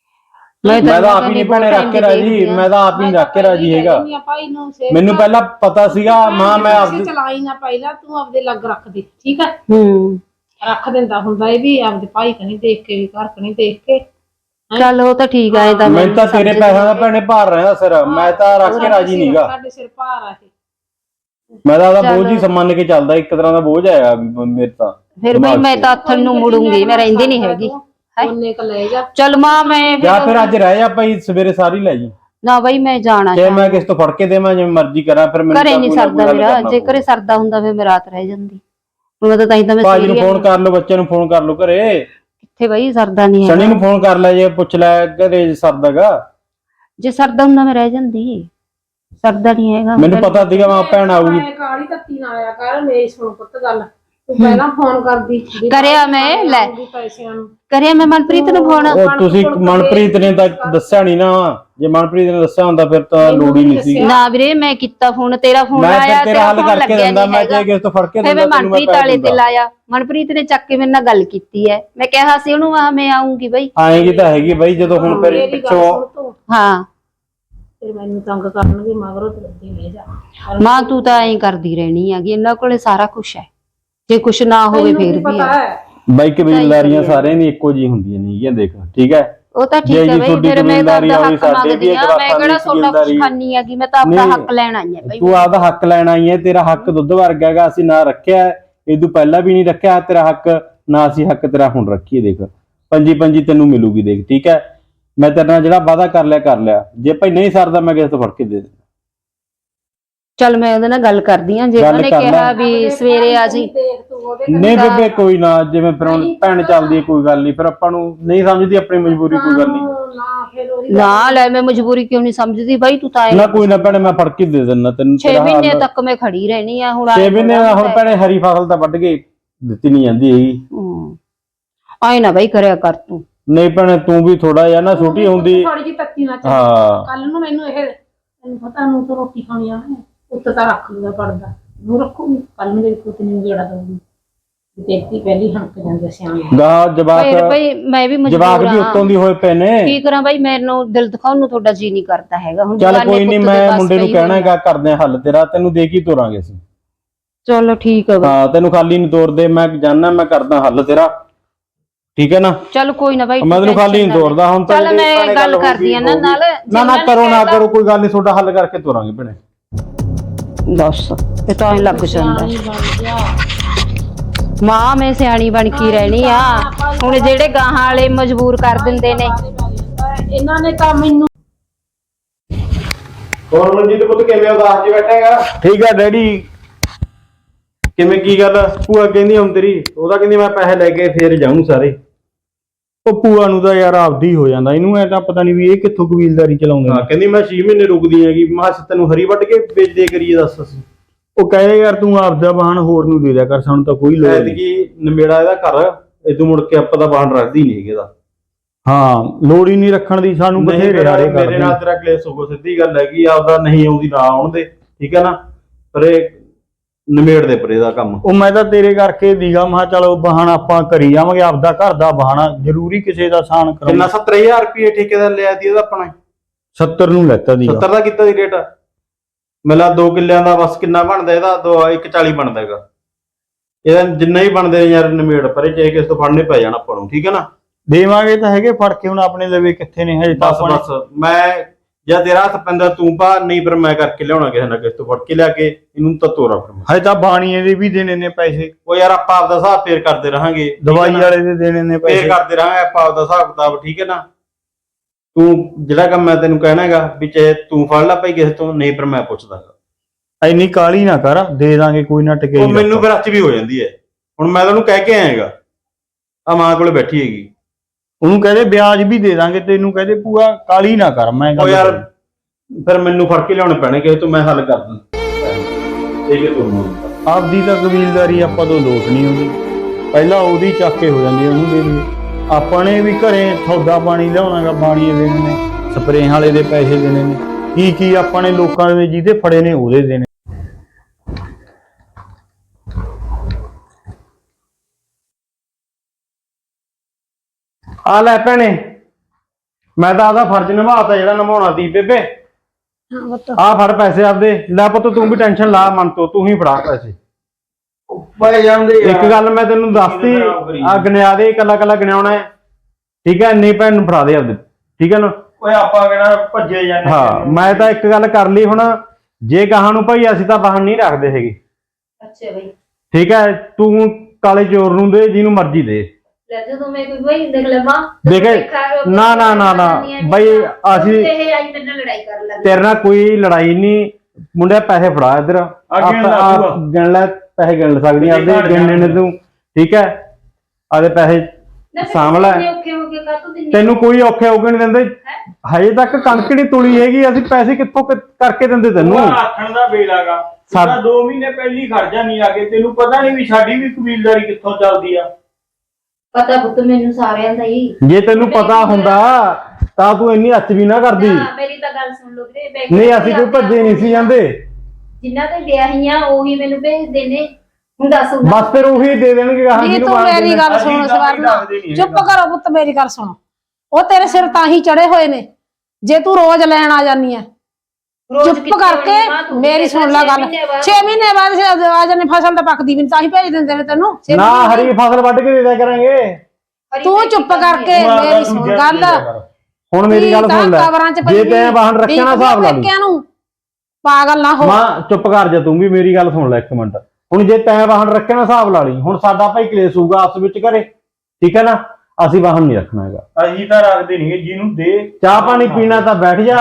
D: ਮੈਂ ਤਾਂ ਆਪ ਹੀ ਨਹੀਂ ਭੈਣੇ ਰੱਖ ਕੇ ਰਾਜੀ, ਮੈਂ ਤਾਂ ਆਪ ਹੀ ਰੱਖ ਕੇ ਰਾਜੀ ਹੈਗਾ।
B: ਭਾਈ ਨੂੰ ਸੇਵ
D: ਮੈਨੂੰ ਪਹਿਲਾਂ ਪਤਾ ਸੀਗਾ ਮਾਂ, ਮੈਂ
B: ਆਪਦੇ
D: ਆਪਦੇ
B: ਚਲਾਈ ਨਾ, ਪਹਿਲਾਂ ਤੂੰ ਆਪਦੇ ਲੱਗ ਰੱਖ ਦੇ, ਠੀਕ ਹੈ।
E: ਹੂੰ
B: ਰੱਖ ਦਿੰਦਾ ਹੁੰਦਾ ਇਹ ਵੀ ਆਪਦੇ ਭਾਈ ਕਣੀ ਦੇਖ ਕੇ, ਵੀ ਘਰ ਕਣੀ ਦੇਖ ਕੇ।
E: ਚੱਲ ਉਹ ਤਾਂ ਠੀਕ ਆ, ਇਹ ਤਾਂ
D: ਮੈਂ ਤਾਂ ਤੇਰੇ ਪੈਸਿਆਂ ਦਾ ਭੈਣੇ ਭਾਰ ਰਹਿੰਦਾ ਸਿਰ, ਮੈਂ ਤਾਂ ਰੱਖ ਕੇ ਰਾਜੀ ਨਹੀਂਗਾ।
B: ਸਾਡੇ ਸਿਰ ਭਾਰ ਆ ਇਹ।
D: ਮੈਂ ਤਾਂ ਉਹਦਾ ਬੋਝ ਹੀ ਸਮਝ ਕੇ ਚੱਲਦਾ, ਇੱਕ ਤਰ੍ਹਾਂ ਦਾ ਬੋਝ ਆਇਆ ਮੇਰੇ ਤਾਂ।
E: ਫਿਰ ਭਾਈ ਮੈਂ ਤਾਂ ਹੱਥ ਨੂੰ ਮੁੜੂੰਗੀ, ਮੈਂ ਰਹਿੰਦੀ ਨਹੀਂ ਹੈਗੀ।
B: ਉਹਨੇ ਕ ਲੈ ਜਾ।
E: ਚੱਲ ਮਾਂ ਮੈਂ
D: ਜਾਂ ਫਿਰ ਅੱਜ ਰਹਿ ਜਾ ਭਾਈ, ਸਵੇਰੇ ਸਾਰੀ ਲੈ ਜੀ।
E: ਨਾ ਬਾਈ ਮੈਂ ਜਾਣਾ
D: ਜੇ ਮੈਂ ਕਿਸ ਤੋਂ ਫੜ ਕੇ ਦੇਵਾਂ, ਜਿਵੇਂ ਮਰਜ਼ੀ ਕਰਾਂ, ਫਿਰ ਮੈਨੂੰ
E: ਘਰੇ
D: ਤਾਂ
E: ਨਹੀਂ
D: ਕੋਈ ਨਾ
E: ਸਰਦਾ
D: ਕੋਈ ਗੱਲ
E: ਮੇਰਾ।
D: ਕਰਨਾ
E: ਜੇ
D: ਪਊਗਾ।
E: ਘਰੇ ਸਰਦਾ ਹੁੰਦਾ ਫਿਰ ਮੈਂ ਰਾਤ ਰਹਿ ਜਾਂਦੀ। ਮੈਂ ਤਾਂ ਤਾਂ ਹੀ ਤਾਂ ਮੈਂ
D: ਭਾਜੀ ਨੂੰ
E: ਸਵੇਰੇ
D: ਫੋਨ ਕਰ ਲਓ, ਬੱਚੇ ਨੂੰ ਫੋਨ ਕਰ ਲਓ ਘਰੇ।
E: ਕਿੱਥੇ ਬਾਈ ਸਰਦਾ ਨਹੀਂ
D: ਸਣੀ
E: ਹੈ।
D: ਨੂੰ ਫੋਨ ਕਰ ਲੈ, ਜੇ ਪੁੱਛ ਲੈ ਘਰੇ ਸਰਦਾਗਾ।
E: ਜੇ ਸਰਦਾ ਹੁੰਦਾ ਮੈਂ ਰਹਿ ਜਾਂਦੀ, ਸਰਦਾ ਨਹੀਂ ਹੈਗਾ।
D: ਮੈਨੂੰ ਪਤਾ ਸੀਗਾ ਮਾਂ ਭੈਣ ਆਊਗੀ।
B: ਕਾਲੀ ਤੱਤੀ ਨਾ ਆਇਆ ਕਰ, ਮੇਰੀ ਸੁਣ ਪੁੱਤ ਗੱਲ। ਤੂੰ ਪਹਿਲਾਂ ਫੋਨ ਕਰਦੀ
E: ਕਰਿਆ ਮੈਂ, ਲੈ
B: ਪੈਸਿਆਂ ਨੂੰ।
E: ਕਰਿਆ ਮੈਂ ਮਨਪ੍ਰੀਤ ਨੂੰ ਫੋਨ।
D: ਉਹ ਤੁਸੀਂ ਮਨਪ੍ਰੀਤ ਨੇ ਤਾਂ ਦੱਸਿਆ ਨਹੀਂ ਨਾ, ਜੇ ਮਨਪ੍ਰੀਤ ਨੇ ਦੱਸਿਆ ਹੁੰਦਾ ਫਿਰ ਤਾਂ ਲੋੜ ਹੀ ਨਹੀਂ ਸੀ।
E: ਨਾ ਵੀਰੇ ਮੈਂ ਕੀਤਾ ਫੋਨ, ਤੇਰਾ ਫੋਨ
D: ਮੈਂ
E: ਆਇਆ,
D: ਤੇਰਾ ਹੱਲ ਕਰਕੇ ਦਿੰਦਾ, ਮੈਂ ਜੇ ਕਿਸ ਤੋਂ ਫੜ ਕੇ
E: ਫਿਰ
D: ਦਿੰਦਾ
E: ਮੈਂ
D: ਤੈਨੂੰ ਮੈਂ
E: ਮਨਪ੍ਰੀਤ ਵਾਲੇ ਤੇ ਲਾਇਆ। ਮਨਪ੍ਰੀਤ ਨੇ ਚੱਕ ਕੇ ਮੇਰੇ ਨਾਲ ਗੱਲ ਕੀਤੀ ਹੈ, ਮੈਂ ਕਿਹਾ ਸੀ ਉਹਨੂੰ ਆ ਮੈਂ ਆਉਂਗੀ ਬਈ।
D: ਆਏਗੀ ਤਾਂ ਹੈਗੀ ਬਾਈ, ਜਦੋਂ ਹੁਣ ਫਿਰ
B: ਮੇਰੀ ਗੱਲ
D: ਪਿੱਛੋਂ
B: ਸੁਣ ਤੂੰ,
E: ਹਾਂ
B: ਫਿਰ ਮੈਨੂੰ ਤੰਗ ਕਰਨਗੇ ਮਗਰੋਂ ਤੇ ਲੱਗੀ ਲੈ ਜਾ।
E: ਮਾਂ ਤੂੰ ਤਾਂ ਐਂ ਕਰਦੀ ਰਹਿਣੀ ਹੈਗੀ, ਇਹਨਾਂ ਕੋਲੇ ਸਾਰਾ ਕੁਝ ਹੈ, ਜੇ ਕੁਝ ਨਾ ਹੋਵੇ ਫਿਰ ਵੀ
B: ਪਤਾ
E: ਹੈ।
B: ਹੈ
D: ਬਾਈ ਕਬੀਲਦਾਰੀਆਂ ਸਾਰਿਆਂ ਦੀ ਇੱਕੋ ਜੀ ਹੁੰਦੀਆਂ ਨਹੀਂ, ਦੇਖ ਠੀਕ ਹੈ।
E: ਉਹ ਤਾਂ ਠੀਕ ਹੈ ਬਈ, ਫਿਰ ਮੈਂ ਤਾਂ ਆਪਦਾ ਹੱਕ ਮੰਗਦੀ ਆ, ਮੈਂ ਕਿਹੜਾ ਸੋਡਾ ਕੁਝ ਖਾਨੀ ਹੈਗੀ, ਮੈਂ ਤਾਂ ਆਪਦਾ ਹੱਕ ਲੈਣ ਆਈ ਆ ਬਈ।
D: ਤੂੰ ਆਪਦਾ ਹੱਕ ਲੈਣ ਆਈ ਹੈ, ਤੇਰਾ ਹੱਕ ਦੁੱਧ ਵਰਗਾ ਹੈਗਾ, ਅਸੀਂ ਨਾ ਰੱਖਿਆ ਇਹ ਤੋਂ ਪਹਿਲਾਂ ਵੀ ਨਹੀਂ ਰੱਖਿਆ ਤੇਰਾ ਹੱਕ, ਨਾ ਅਸੀਂ ਹੱਕ ਤੇਰਾ ਹੁਣ ਰੱਖੀਏ। ਦੇਖ ਪੰਜੀ ਪੰਜੀ ਤੈਨੂੰ ਮਿਲੂਗੀ, ਦੇਖ ਠੀਕ ਹੈ। ਮੈਂ ਤੇਰੇ ਨਾਲ ਜਿਹੜਾ ਵਾਅਦਾ ਕਰ ਲਿਆ ਕਰ ਲਿਆ, ਜੇ ਭਾਈ ਨਹੀਂ ਸਰਦਾ ਮੈਂ ਕਿਸੇ ਤੋਂ ਫੜ ਕੇ ਦੇ ਦੇ।
E: ਚੱਲ ਮੈਂ ਉਹਦੇ ਨਾਲ ਗੱਲ ਕਰਦੀ ਆ, ਜੇ ਉਹਨੇ ਕਿਹਾ ਵੀ ਸਵੇਰੇ ਆ ਜੀ।
B: ਦੇਖ ਤੂੰ ਉਹਦੇ
D: ਨਹੀਂ ਬੇਬੇ ਕੋਈ ਨਾ, ਜਿਵੇਂ ਫਿਰ ਹੁਣ ਭੈਣ ਚੱਲਦੀ ਹੈ ਕੋਈ ਗੱਲ ਨਹੀਂ, ਫਿਰ ਆਪਾਂ ਨੂੰ ਨਹੀਂ ਸਮਝਦੀ ਆਪਣੀ ਮਜਬੂਰੀ, ਕੋਈ ਗੱਲ ਨਹੀਂ।
B: ਨਾ ਫਿਰ ਉਹਦੀ
E: ਨਾ ਲੈ ਮੈਂ ਮਜਬੂਰੀ ਕਿਉਂ ਨਹੀਂ ਸਮਝਦੀ ਬਾਈ, ਤੂੰ ਤਾਂ
D: ਨਾ ਕੋਈ ਨਾ ਭੈਣੇ, ਮੈਂ ਫੜ ਕੇ ਦੇ ਦਿੰਦਾ ਤੈਨੂੰ।
E: ਛੇ ਮਹੀਨੇ ਤੱਕ ਮੈਂ ਖੜੀ ਰਹਿਣੀ ਆ ਹੁਣ।
D: ਛੇ ਮਹੀਨੇ ਹੁਣ ਭੈਣੇ ਹਰੀ ਫਸਲ ਤਾਂ ਵੱਢ ਕੇ ਦਿੱਤੀ ਨਹੀਂ ਜਾਂਦੀ ਹੈਗੀ।
E: ਆਏ ਨਾ ਬਾਈ ਕਰਿਆ ਕਰ ਤੂੰ।
D: ਨਹੀਂ ਭੈਣੇ ਤੂੰ ਵੀ ਥੋੜਾ ਜਿਹਾ ਨਾ ਛੋਟੀ ਹੁੰਦੀ।
B: ਥੋੜੀ ਜਿਹੀ ਤੱਤੀ ਨਾ ਚੱਲ।
D: ਹਾਂ
B: ਕੱਲ ਨੂੰ ਮੈਨੂੰ ਇਹ ਤੈਨੂੰ ਪਤਾ ਨੂੰ ਤਾਂ ਰੋਟੀ ਖਾਣੀ ਆ, ਉੱਤੇ ਤਾਂ ਰੱਖ ਲੂਗਾ ਪੜਦਾ ਨੂੰ ਰੱਖੂਗੀ। ਕੱਲ ਨੂੰ ਮੇਰੀ ਪੁੱਤ ਨੂੰ ਗੇੜਾ ਦਊਗੀ, ਦੇਖਦੀ ਪਹਿਲੀ ਹੰਕ ਜਾਂਦੇ ਸਿਆਣੇ।
D: ਗਾ ਜਵਾਕ
E: ਫਿਰ ਬਈ ਮੈਂ ਵੀ
D: ਜਵਾਕ
E: ਮਜਬੂਰ
D: ਵੀ
E: ਆ,
D: ਉੱਤੋਂ ਦੀ ਹੋਏ ਪਏ ਨੇ।
E: ਕੀ ਕਰਾਂ ਬਾਈ, ਮੈਨੂੰ ਦਿਲ ਦਿਖਾਉਣ ਨੂੰ ਤੁਹਾਡਾ ਜੀ ਨਹੀਂ ਕਰਦਾ ਹੈਗਾ। ਹੁਣ
D: ਚੱਲ
E: ਜਵਾਨੇ
D: ਕੋਈ ਨਹੀਂ,
E: ਪੁੱਤ ਦੇ
D: ਮੈਂ
E: ਪਾਸ
D: ਮੁੰਡੇ ਨੂੰ
E: ਪਈ
D: ਕਹਿਣਾ
E: ਹੋਈ ਆ।
D: ਹੈਗਾ, ਕਰਦੇ ਆ ਹੱਲ ਤੇਰਾ, ਤੈਨੂੰ ਦੇ ਕੇ ਤੋਰਾਂਗੇ ਅਸੀਂ।
E: ਚਲੋ ਠੀਕ ਹੈ ਬਾਈ।
D: ਹਾਂ ਤੈਨੂੰ ਖਾਲੀ ਨਹੀਂ ਤੋਰਦੇ, ਮੈਂ ਜਾਣਾ, ਮੈਂ ਕਰਦਾ ਹੱਲ ਤੇਰਾ। ਠੀਕ ਹੈ ਨਾ।
E: ਚੱਲ ਕੋਈ ਨਾ ਬਾਈ
D: ਮੈਂ ਤੈਨੂੰ ਖਾਲੀ ਨਹੀਂ ਤੋਰਦਾ ਹੁਣ ਤਾਂ
E: ਚੱਲ
D: ਜਿਹੜੀ
E: ਮੈਂ
D: ਭੈਣੇ
E: ਗੱਲ ਕਰਦੀ
D: ਹੋਊਗੀ,
E: ਆ ਨਾ ਨਾਲ
D: ਨਾ ਨਾ ਕਰੋ ਨਾ ਕਰੋ ਕੋਈ ਗੱਲ ਨਹੀਂ, ਤੁਹਾਡਾ ਹੱਲ ਕਰਕੇ ਤੋਰਾਂਗੇ ਭੈਣੇ।
E: ਦੱਸ ਇਹ ਤਾਂ ਐਂ ਲੱਗ ਜਾਂਦਾ ਮਾਂ ਮੈਂ ਸਿਆਣੀ ਬਣ ਕੇ ਰਹਿਣੀ ਆ ਹੁਣ ਜਿਹੜੇ ਗਾਹਾਂ ਵਾਲੇ ਮਜਬੂਰ ਕਰ ਦਿੰਦੇ ਨੇ
B: ਇਹਨਾਂ ਨੇ ਤਾਂ ਮੈਨੂੰ
D: ਹੋਰ ਮਨਜੀਤ ਪੁੱਤ ਕਿਵੇਂ ਉਦਾਸ ਜੀ ਬੈਠੇਗਾ? ਠੀਕ ਆ ਡੈਡੀ। ਕਿਵੇਂ ਕੀ ਗੱਲ? ਭੂਆ ਕਹਿੰਦੀ ਹੁਣ ਤੇਰੀ ਉਹਦਾ ਕਹਿੰਦੀ ਮੈਂ ਪੈਸੇ ਲੈ ਕੇ ਫੇਰ ਜਾਊਂ ਸਾਰੇ।
C: ਉਹ ਭੂਆ ਨੂੰ ਤਾਂ ਯਾਰ ਆਪਦੀ ਹੋ ਜਾਂਦਾ, ਇਹਨੂੰ ਐ ਤਾਂ ਪਤਾ ਨਹੀਂ ਵੀ ਇਹ ਕਿੱਥੋਂ ਕਬੀਲਦਾਰੀ ਚਲਾਉਂਦੇ
D: ਹਾਂ
C: ਨੇ।
D: ਕਹਿੰਦੀ ਮੈਂ ਛੇ ਮਹੀਨੇ ਰੁਕਦੀ ਹੈਗੀ। ਮੈਂ ਕਿਹਾ ਤੈਨੂੰ ਹਰੀ ਵੱਢ ਕੇ ਵੇਚ ਦੇ ਕਰੀਏ ਦੱਸ ਅਸੀਂ।
C: ਉਹ ਕਹੇ ਯਾਰ ਤੂੰ ਆਪਦਾ ਵਾਹਨ ਹੋਰ ਨੂੰ ਦੇ ਦਿਆ ਕਰ, ਸਾਨੂੰ ਤਾਂ ਕੋਈ ਲੋੜ ਨਹੀਂ।
D: ਐਤਕੀ ਨਿਬੇੜਾ ਇਹਦਾ ਘਰ, ਇਦੋਂ ਮੁੜ ਕੇ ਆਪਾਂ ਦਾ ਬਾਹਨ ਰੱਖਦੀ ਨਹੀਂ ਹੈਗੇ ਦਾ।
C: ਹਾਂ ਲੋੜ ਹੀ ਨਹੀਂ ਰੱਖਣ ਦੀ, ਸਾਨੂੰ ਬਥੇਰੇ ਹਾਰੇ
D: ਮੇਰੇ
C: ਕਰਦੇ
D: ਨਾਲ ਤੇਰਾ ਕਲੇਸ਼ ਹੋਗੋ, ਸਿੱਧੀ ਗੱਲ ਹੈਗੀ। ਆਪਦਾ ਨਹੀਂ ਆਉਂਦੀ ਨਾ ਆਉਣ ਦੇ, ਠੀਕ ਹੈ ਨਾ। ਪਰ ਇਹ ਨਿਬੇੜ ਦੇ ਪਰੇ ਦਾ ਕੰਮ।
C: ਉਹ ਮੈਂ ਤਾਂ ਤੇਰੇ ਕਰਕੇ ਦੀਗਾ, ਮੈਂ ਕਿਹਾ ਚਲੋ ਵਾਹਨ ਆਪਾਂ ਕਰੀ ਜਾਵਾਂਗੇ, ਆਪਦਾ ਘਰ ਦਾ ਵਾਹਨ ਜ਼ਰੂਰੀ ਕਿਸੇ ਦਾ ਸਾਨ
D: ਕਿੰਨਾ
C: ਕਰਾਉਣਾ।
D: ਸੱਤਰ ਹਜ਼ਾਰ ਰੁਪਏ ਠੇਕੇ ਦਾ ਲਿਆ ਸੀ ਇਹਦਾ ਆਪਣਾ।
C: ਸੱਤਰ ਨੂੰ ਲੈਤਾ ਦੀਗਾ।
D: ਸੱਤਰ ਦਾ ਕੀਤਾ ਸੀ ਰੇਟ। ਮਿਲਾ ਦੋ ਕਿੱਲਿਆਂ ਦਾ ਬਸ ਕਿੰਨਾ ਬਣਦਾ ਇਹਦਾ? ਦੋ ਇੱਕ ਚਾਲੀ ਬਣਦਾ ਹੈਗਾ ਇਹਦਾ। ਜਿੰਨਾ ਹੀ ਬਣਦੇ ਨੇ ਯਾਰ ਨਿਬੇੜ ਪਰੇ, ਚਾਹੇ ਕਿਸੇ ਤੋਂ ਫੜਨੇ ਪੈ ਜਾਣ ਆਪਾਂ ਨੂੰ, ਠੀਕ ਹੈ ਨਾ।
C: ਦੇਵਾਂਗੇ ਤਾਂ ਹੈਗੇ ਫੜ ਕੇ, ਹੁਣ ਆਪਣੇ ਲਵੇ ਕਿੱਥੇ ਨੇ ਹਜੇ ਤਾਂ
D: ਬਸ
C: ਆਪਣੇ।
D: ਬਸ ਮੈਂ ਜਾਂ ਤੇਰਾ ਹੱਥ ਪੈਂਦਾ ਤੂੰ ਪਾ, ਨਹੀਂ ਪਰ ਮੈਂ ਕਰਕੇ ਲਿਆਉਣਾ ਕਿਸੇ ਨਾ ਕਿਸੇ ਤੋਂ ਫੜ ਕੇ ਲਿਆ ਕੇ ਇਹਨੂੰ ਤਾਂ ਤੋਰਾ ਫਿਰ।
C: ਹਜੇ ਤਾਂ ਬਾਣੀਏ ਦੇ ਵੀ ਦੇਣੇ ਨੇ ਪੈਸੇ,
D: ਉਹ ਯਾਰ ਆਪਾਂ ਆਪਦਾ ਹਿਸਾਬ ਫੇਰ ਕਰਦੇ ਰਹਾਂਗੇ, ਠੀਕ ਹੈ
C: ਦਵਾਈ
D: ਨਾ?
C: ਵਾਲੇ ਦੇ ਦੇਣੇ ਨੇ
D: ਫੇਰ
C: ਪੈਸੇ।
D: ਕਰਦੇ ਰਹਾਂਗੇ ਆਪਾਂ ਆਪਦਾ ਹਿਸਾਬ ਕਿਤਾਬ, ਠੀਕ ਹੈ ਨਾ। ਤੂੰ ਜਿਹੜਾ ਕੰਮ ਮੈਂ ਤੈਨੂੰ ਕਹਿਣਾ ਹੈਗਾ ਵੀ ਚਾਹੇ ਤੂੰ ਫੜ ਲੈ ਭਾਈ ਕਿਸੇ ਤੋਂ, ਨਹੀਂ ਪਰ ਮੈਂ ਪੁੱਛਦਾ।
C: ਇੰਨੀ ਕਾਲੀ ਨਾ ਕਰ, ਦੇ ਦਾਂਗੇ ਕੋਈ ਨਾ ਟਕੇ।
D: ਉਹ ਮੈਨੂੰ ਫਿਰ ਅੱਛ ਵੀ ਹੋ ਜਾਂਦੀ ਹੈ। ਹੁਣ ਮੈਂ ਤੈਨੂੰ ਕਹਿ ਕੇ ਆਇਆਗਾ, ਆ ਮਾਂ ਕੋਲੇ ਬੈਠੀ ਹੈਗੀ।
C: ਉਹਨੂੰ ਕਹਦੇ ਵਿਆਜ ਵੀ ਦੇ ਦਾਂਗੇ, ਤੈਨੂੰ ਕਹਦੇ ਭੂਆ ਕਾਲੀ ਨਾ ਕਰ। ਮੈਂ
D: ਉਹ
C: ਗੱਲ
D: ਯਾਰ
C: ਕਰੀ।
D: ਫਿਰ ਮੈਨੂੰ ਫੜ ਕੇ ਲਿਆਉਣੇ ਪੈਣੇ ਕਿਸੇ ਤੋਂ, ਮੈਂ ਹੱਲ ਕਰ ਦੂੰ। ਠੀਕ ਹੈ ਤੂੰ
C: ਆਪਦੀ ਤਾਂ ਕਬੀਲਦਾਰੀ ਆਪਾਂ ਤੋਂ ਲੋਟ ਨਹੀਂ ਹੁੰਦੀ, ਪਹਿਲਾਂ ਉਹਦੀ ਚੱਕ ਕੇ ਹੋ ਜਾਂਦੀ, ਉਹਨੂੰ ਦੇ ਦਈਏ। ਆਪਾਂ ਨੇ ਵੀ ਘਰੇ ਸੌਦਾ ਪਾਣੀ ਲਿਆਉਣਾਗਾ, ਬਾਣੀਏ ਦੇਣੇ ਨੇ, ਸਪਰੇਹਾਂ ਵਾਲੇ ਦੇ ਪੈਸੇ ਦੇਣੇ ਨੇ, ਕੀ ਕੀ ਆਪਾਂ ਨੇ ਲੋਕਾਂ ਦੇ ਜਿਹਦੇ ਫੜੇ ਨੇ ਉਹਦੇ ਦੇਣੇ।
D: ਆ ਲੈ ਭੈਣੇ, ਮੈਂ ਤਾਂ ਆਦਾ ਫਰਜ਼ ਨਿਭਾਤਾ ਜਿਹੜਾ ਨਿਭਾਉਣਾ ਸੀ। ਬੇਬੇ ਆ ਫੜ ਪੈਸੇ ਆਪਦੇ, ਲੈ ਪੁੱਤ ਤੂੰ ਵੀ ਟੈਨਸ਼ਨ ਲਾ ਮਨ ਤੋਂ, ਤੂੰ ਹੀ ਫੜਾ ਪੈਸੇ।
C: ਪੈ ਜਾਂਦੇ
D: ਇੱਕ ਗੱਲ ਮੈਂ ਤੈਨੂੰ ਦੱਸਤੀ, ਆ ਗਣਿਆ ਦੇ, ਕੱਲਾ ਕੱਲਾ ਗਣਿਆਉਣਾ ਹੈ, ਠੀਕ ਹੈ। ਇੰਨੀ ਭੈਣ ਨੂੰ ਫੜਾ ਦੇ ਆਪਦੇ, ਠੀਕ ਹੈ ਨਾ।
C: ਓਏ ਆਪਾਂ ਕਿਹੜਾ ਭੱਜੇ ਜਾਂਦੇ।
D: ਹਾਂ ਮੈਂ ਤਾਂ ਇੱਕ ਗੱਲ ਕਰ ਲਈ ਹੁਣ, ਜੇ ਗਾਹਾਂ ਨੂੰ ਭਾਈ ਅਸੀਂ ਤਾਂ ਵਾਹਨ ਨਹੀਂ ਰੱਖਦੇ ਹੈਗੇ,
E: ਅੱਛਾ ਬਈ
D: ਠੀਕ ਹੈ। ਤੂੰ ਕਾਲੇ ਚੋਰ ਨੂੰ ਦੇ, ਜਿਹਨੂੰ ਮਰਜ਼ੀ ਦੇ।
E: ਲੈ ਜਦੋਂ ਮੈਂ ਕੋਈ ਬਈ ਦੇਖ ਲੈ ਮਾਂ
D: ਦੇਖੇ ਨਾ ਨਾ ਨਾ ਨਾ ਬਈ ਅਸੀਂ
E: ਇਹ ਆਈ ਮੇਰੇ ਨਾਲ ਲੜਾਈ ਕਰਨ ਲੱਗ
D: ਤੇਰੇ ਨਾਲ ਕੋਈ ਲੜਾਈ ਨਹੀਂ। ਮੁੰਡੇ ਪੈਸੇ ਫੜਾ ਇੱਧਰ, ਆਪਾਂ ਗਿਣ ਲੈ ਪੈਸੇ, ਗਿਣ ਸਕਦੀ ਆਪਦੇ ਗਿਣਨੇ ਨੇ ਤੂੰ, ਠੀਕ ਹੈ। ਆਦੇ ਪੈਸੇ ਸਾਂਭ ਲੈ,
E: ਔਖੇ ਹੋ ਕੇ ਕਾਤੋਂ ਦਿੰਨੀ
D: ਤੈਨੂੰ ਕੋਈ ਔਖੇ ਹੋ ਕੇ ਨਹੀਂ ਦਿੰਦੇ। ਹਜੇ ਤੱਕ ਕਣਕ ਨਹੀਂ ਤੁਲੀ ਹੈਗੀ, ਅਸੀਂ ਪੈਸੇ ਕਿੱਥੋਂ ਕਰਕੇ ਦਿੰਦੇ ਤੈਨੂੰ?
C: ਆਖਣ ਦਾ ਵੇਲਾਗਾ ਸਾਡਾ ਦੋ ਮਹੀਨੇ ਪਹਿਲੀ ਖਰਚਾ ਨਹੀਂ ਆ ਗਏ, ਤੈਨੂੰ ਪਤਾ ਨਹੀਂ ਵੀ ਸਾਡੀ ਵੀ ਕਬੀਲਦਾਰੀ ਕਿੱਥੋਂ ਚੱਲਦੀ ਆ।
E: ਪਤਾ ਪੁੱਤ ਮੈਨੂੰ ਸਾਰਿਆਂ ਦਾ ਹੀ।
D: ਜੇ ਤੈਨੂੰ ਪਤਾ ਹੁੰਦਾ ਤਾਂ ਤੂੰ ਇੰਨੀ ਹੱਥ ਵੀ ਨਾ ਕਰਦੀ।
E: ਮੇਰੀ ਤਾਂ ਗੱਲ ਸੁਣ ਲਓ ਵੀਰੇ,
D: ਨਹੀਂ ਅਸੀਂ ਕੋਈ ਭੱਜੇ ਨਹੀਂ ਸੀ ਜਾਂਦੇ।
E: ਜਿਨ੍ਹਾਂ ਤੇ ਵਿਆਹੀਆਂ ਉਹੀ ਮੈਨੂੰ ਭੇਜਦੇ ਨੇ। ਹੁਣ ਦੱਸ
D: ਬਸ ਫਿਰ ਉਹੀ ਦੇ ਦੇਣਗੇ ਗਾਹਾਂ
B: ਨਹੀਂ
D: ਜਿਹਨੂੰ
B: ਤੂੰ
D: ਮਾਰਦੇ
B: ਮੇਰੀ
D: ਨੇ।
B: ਗੱਲ ਸੁਣ ਸਵਰਨਾ, ਚੁੱਪ ਕਰੋ ਪੁੱਤ, ਮੇਰੀ ਗੱਲ ਸੁਣ। ਉਹ ਤੇਰੇ ਸਿਰ ਤਾਂ ਹੀ ਚੜੇ ਹੋਏ ਨੇ ਜੇ ਤੂੰ ਰੋਜ਼ ਲੈਣ ਆ ਜਾਨੀ ਐ। ਚੁੱਪ ਕਰਕੇ ਮੇਰੀ ਸੁਣ ਲੈ ਗੱਲ, ਛੇ ਮਹੀਨੇ ਬਾਅਦ ਆ ਜਾਨੇ, ਫਸਲ ਤਾਂ ਪੱਕਦੀ ਵੀ ਤਾਂ ਹੀ ਭੇਜ ਦਿੰਦੇ ਨੇ ਤੈਨੂੰ।
D: ਨਾ ਹਰੀ ਫਸਲ ਵੱਢ ਕੇ ਦੇ ਦਿਆ ਕਰਾਂਗੇ।
B: ਤੂੰ ਚੁੱਪ ਕਰਕੇ ਮੇਰੀ ਸੁਣ ਗੱਲ।
D: ਹੁਣ ਮੇਰੀ ਗੱਲ ਸੁਣ ਲੈ, ਜੇ ਤੈਂ ਵਾਹਨ ਰੱਖਿਆ ਨਾ ਹਿਸਾਬ ਲਾ ਲਈ।
B: ਨੂੰ ਪਾਗਲ ਨਾ ਹੋ।
D: ਮਾਂ ਚੁੱਪ ਕਰ ਜਾ, ਤੂੰ ਵੀ ਮੇਰੀ ਗੱਲ ਸੁਣ ਲੈ ਇੱਕ ਮਿੰਟ। ਹੁਣ ਜੇ ਤੈਂ ਵਾਹਨ ਰੱਖਿਆ ਨਾ ਹਿਸਾਬ ਲਾ ਲਈ। ਹੁਣ ਸਾਡਾ ਭਾਈ ਕਲੇਸ਼ ਹੋਊਗਾ ਆਪਸ ਵਿੱਚ ਘਰੇ, ਠੀਕ ਹੈ ਨਾ। ਅਸੀਂ ਵਾਹਨ ਨਹੀਂ ਰੱਖਣਾ ਹੈਗਾ।
C: ਅਸੀਂ ਤਾਂ ਰੱਖਦੇ ਨਹੀਂ, ਜਿਹਨੂੰ ਦੇ
D: ਚਾਹ ਪਾਣੀ ਪੀਣਾ ਤਾਂ ਬੈਠ ਜਾ,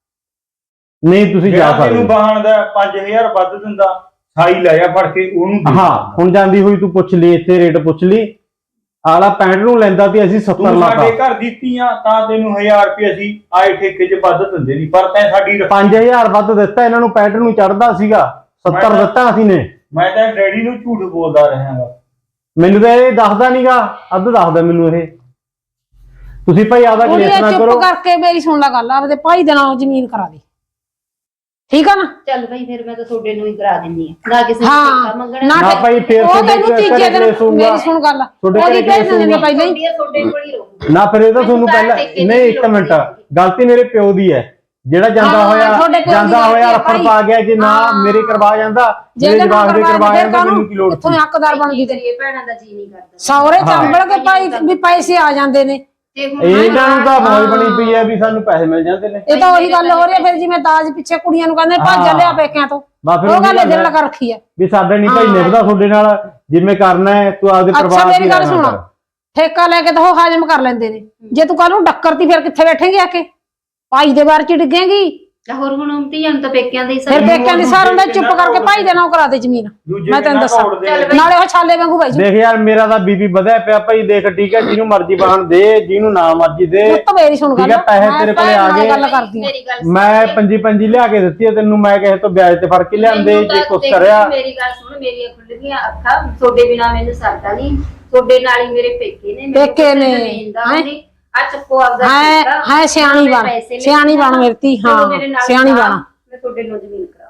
D: ਨਹੀਂ ਤੁਸੀਂ ਜਾ ਸਕਦੇ।
C: ਤੈਨੂੰ ਵਾਹਨ ਦਾ ਪੰਜ ਹਜ਼ਾਰ ਵੱਧ ਦਿੰਦਾ, ਸਾਈ ਲੈ ਜਾ ਫੜ ਕੇ ਉਹਨੂੰ ਦੇ।
D: ਹਾਂ ਹੁਣ ਜਾਂਦੀ ਹੋਈ ਤੂੰ ਪੁੱਛ ਲਈ, ਇੱਥੇ ਰੇਟ ਪੁੱਛ ਲਈ। ਆਲਾ ਪੈਂਹਠ ਨੂੰ ਲੈਂਦਾ ਤੇ ਅਸੀਂ ਸੱਤਰ
C: ਤੂੰ
D: ਲਾਤਾ।
C: ਸਾਡੇ ਘਰ ਦਿੱਤੀਆਂ ਤਾਂ ਤੈਨੂੰ ਹਜ਼ਾਰ ਰੁਪਏ ਅਸੀਂ ਆਏ ਠੇਕੇ 'ਚ ਵੱਧ ਦਿੰਦੇ ਨਹੀਂ, ਪਰ ਤੈਂ ਸਾਡੀ ਰੱਖੀ।
D: ਪੰਜ ਹਜ਼ਾਰ ਵੱਧ ਦਿੱਤਾ ਇਹਨਾਂ ਨੂੰ, ਪੈਂਹਠ ਨੂੰ ਚੜਦਾ ਸੀਗਾ, ਸੱਤਰ ਦਿੱਤਾ ਅਸੀਂ ਨੇ।
C: ਮੈਂ ਤਾਂ ਡੈਡੀ ਨੂੰ ਝੂਠ ਬੋਲਦਾ ਰਹਾਂਗਾ।
D: ਮੈਨੂੰ ਤਾਂ ਇਹ ਦੱਸਦਾ ਨਹੀਂਗਾ, ਅੱਧ ਦੱਸਦਾ ਮੈਨੂੰ ਇਹ। ਤੁਸੀਂ ਭਾਈ ਆਦਾ ਕਲੇਸ਼ ਨਾ ਕਰੋ।
B: ਚੁੱਪ ਕਰਕੇ ਮੇਰੀ ਸੁਣ ਲੈ ਗੱਲ, ਆਪਦੇ ਭਾਈ ਦੇ ਨਾਲ ਜ਼ਮੀਨ ਕਰਾ ਦੇ, ਠੀਕ ਆ ਨਾ।
E: ਚੱਲ ਭਾਈ ਫਿਰ ਮੈਂ ਤਾਂ ਤੁਹਾਡੇ ਨੂੰ ਹੀ ਕਰਾ ਦਿੰਨੀ ਆ, ਨਾ ਕਿਸੇ
B: ਹਾਂ,
E: ਨੂੰ ਠੇਕਾ ਮੰਗਣਾ
D: ਨਾ ਭਾਈ ਫੇਰ
B: ਉਹ
D: ਤੁਹਾਡੇ
B: ਤੈਨੂੰ ਤੀਜੇ
D: ਘਰੇ
B: ਦਿਨ
D: ਕਲੇਸ਼ ਹੋਊਗਾ।
B: ਮੇਰੀ ਸੁਣ ਗੱਲ,
D: ਤੁਹਾਡੇ
B: ਉਹਦੀ
D: ਘਰੇ
B: ਭੇਜ
D: ਕਲੇਸ਼
B: ਦਿੰਦੇ
D: ਹੋਊਗਾ।
B: ਪਹਿਲਾਂ ਹੀ।
E: ਤੁਹਾਡੇ ਕੋਲ ਹੀ ਰਹੂਗੀ।
D: ਨਾ ਫਿਰ ਇਹ ਤਾਂ ਤੁਹਾਨੂੰ
E: ਮੈਨੂੰ ਤਾਂ
D: ਪਹਿਲਾਂ
E: ਠੇਕੇ ਦੀ
D: ਨਹੀਂ, ਇੱਕ
E: ਲੋੜ
D: ਮਿੰਟ,
E: ਨਹੀਂ।
D: ਗਲਤੀ ਮੇਰੇ ਪਿਓ ਦੀ ਹੈ। ਜਿਹੜਾ ਜਾਂਦਾ
B: ਹਾਂ,
D: ਹੋਇਆ
B: ਤੁਹਾਡੇ ਪਿਓ ਦੀ
D: ਜਾਂਦਾ
B: ਗਲਤੀ
D: ਹੋਇਆ
B: ਹੈ
D: ਰਫੜ
B: ਭਾਈ।
D: ਪਾ ਗਿਆ ਕਿ ਨਾ
B: ਹਾਂ।
D: ਮੇਰੇ ਕਰਵਾ ਜਾਂਦਾ ਮੇਰੇ ਜਵਾਬ ਦੇ ਕਰਵਾ ਜਾਂਦਾ ਮੈਨੂੰ ਕੀ ਲੋੜ
B: ਇੱਥੋਂ
D: ਸੀ
B: ਹੱਕਦਾਰ ਬਣਦੀ ਤੇ
E: ਤੇਰੀ ਭੈਣਾਂ ਦਾ ਜੀ ਨਹੀਂ ਕਰਦਾ
B: ਸੌਰੇ ਚੰਬੜ ਕੇ ਭਾਈ ਵੀ ਪੈਸੇ ਆ ਜਾਂਦੇ ਨੇ
E: ਤੇ ਹੁਣ
D: ਇਹਨਾਂ ਨੂੰ ਤਾਂ ਮੌਜ ਬਣੀ ਪਈ ਹੈ ਵੀ ਸਾਨੂੰ ਪੈਸੇ ਮਿਲ ਜਾਂਦੇ ਨੇ
B: ਇਹ ਤਾਂ ਉਹੀ ਗੱਲ ਹੋ ਰਹੀ ਹੈ ਫਿਰ ਜਿਵੇਂ ਦਾਜ ਪਿੱਛੇ ਕੁੜੀਆਂ ਨੂੰ ਕਹਿੰਦੇ ਭੱਜ
D: ਹਾਂ।
B: ਲਿਆ ਪੇਕਿਆਂ ਤੋਂ
D: ਬਸ ਫਿਰ
B: ਉਹ
D: ਉਹੀ
B: ਗੱਲ
D: ਗੱਲ
B: ਦਿਲ
D: ਹੈ।
B: ਲਗਾ ਰੱਖੀ ਹੈ
D: ਵੀ ਸਾਡੇ ਨਹੀਂ ਭਾਈ
B: ਹਾਂ।
D: ਨਿਭਦਾ ਤੁਹਾਡੇ ਨਾਲ ਜਿਵੇਂ ਕਰਨਾ ਹੈ ਤੂੰ ਆਪਦੇ
B: ਅੱਛਾ
D: ਪਰਿਵਾਰ
B: ਮੇਰੀ
D: ਦੀ
B: ਗੱਲ
D: ਰਹਿਣਾ
B: ਸੁਣ
D: ਕਰ।
B: ਠੇਕਾ ਲੈ ਕੇ ਤਾਂ ਉਹ ਹਾਜ਼ਮ ਕਰ ਲੈਂਦੇ ਨੇ ਜੇ ਤੂੰ ਕੱਲ ਨੂੰ ਡੱਕਰਤੀ ਫਿਰ ਕਿੱਥੇ ਬੈਠੇਂਗੇ ਆ ਕੇ ਭਾਈ ਦੇ ਬਾਰ ਚ ਡਿੱਗੇਂਗੀ
E: ਹੋਰ ਹੁਣ ਧੀਆਂ ਨੂੰ ਤਾਂ ਪੇਕਿਆਂ ਦੇ ਹੀ
B: ਫਿਰ ਪੇਕਿਆਂ ਦੀ ਸਾਰ ਹੁੰਦਾ ਚੁੱਪ ਕਰਕੇ ਭਾਈ ਦੇ ਨਾਂ ਕਰਾ ਦੇ ਜ਼ਮੀਨ
C: ਦੂਜੇ
B: ਮੈਂ ਤੈਨੂੰ ਦੱਸਾਂ ਨਾਲੇ ਉਹ ਛਾਲੇ ਵਾਂਗੂ ਭਾਈ
D: ਦੇਖ ਯਾਰ ਮੇਰਾ ਤਾਂ ਬੀਬੀ ਵਧਿਆ ਪਿਆ ਭਾਈ ਦੇਖ ਠੀਕ ਹੈ ਜਿਹਨੂੰ ਮਰਜ਼ੀ ਬਾਹਣ ਦੇ ਜਿਹਨੂੰ ਨਾ ਮਰਜ਼ੀ ਦੇ
B: ਪੁੱਤ ਮੇਰੀ ਸੁਣ ਗੱਲ
D: ਠੀਕ ਹੈ, ਪੈਸੇ
B: ਮੈਂ
D: ਤੇਰੇ ਕੋਲੇ
B: ਭੈਣ
D: ਆ
B: ਨਾਲ
D: ਗਏ।
B: ਗੱਲ ਕਰਦੀ ਹਾਂ
E: ਮੇਰੀ ਗੱਲ
D: ਮੈਂ ਪੰਜੀ ਪੰਜੀ ਲਿਆ ਕੇ ਦਿੱਤੀ ਹੈ ਤੈਨੂੰ ਮੈਂ ਕਿਸੇ ਤੋਂ ਵਿਆਜ ਤੇ ਫੜ ਕੇ ਲਿਆਂਦੇ
E: ਮੈਨੂੰ
D: ਜੇ
E: ਤਾਂ
D: ਕੁਛ
E: ਦੇਖ,
D: ਕਰਿਆ
E: ਮੇਰੀ ਗੱਲ ਸੁਣ ਮੇਰੀਆਂ ਖੁੱਲ ਗਈਆਂ ਅੱਖਾਂ ਤੁਹਾਡੇ ਬਿਨਾ ਮੈਨੂੰ ਸਰਦਾ ਨਹੀਂ ਤੁਹਾਡੇ ਨਾਲ ਹੀ ਮੇਰੇ ਪੇਕੇ ਨੇ ਮੇਰੇ
B: ਪੇਕੇ ਨੇ,
E: ਹੈਂ? ਆ ਚੱਕੋ ਆਪਦਾ
B: ਹੈ
E: ਸਿੱਕਾ,
B: ਹੈ ਸਿਆਣੀ
E: ਮੈਂ
B: ਬਣ
E: ਪੈਸੇ ਲੈ
B: ਸਿਆਣੀ
E: ਕੇ
B: ਬਣ
E: ਆਉਣਾ,
B: ਮੇਰੀ ਧੀ
E: ਚਲੋ
B: ਹਾਂ
E: ਮੇਰੇ ਨਾਲ
B: ਸਿਆਣੀ
E: ਕਰਾ,
B: ਬਣ
E: ਮੈਂ ਤੁਹਾਡੇ ਨੂੰ ਜ਼ਮੀਨ ਕਰਾਂ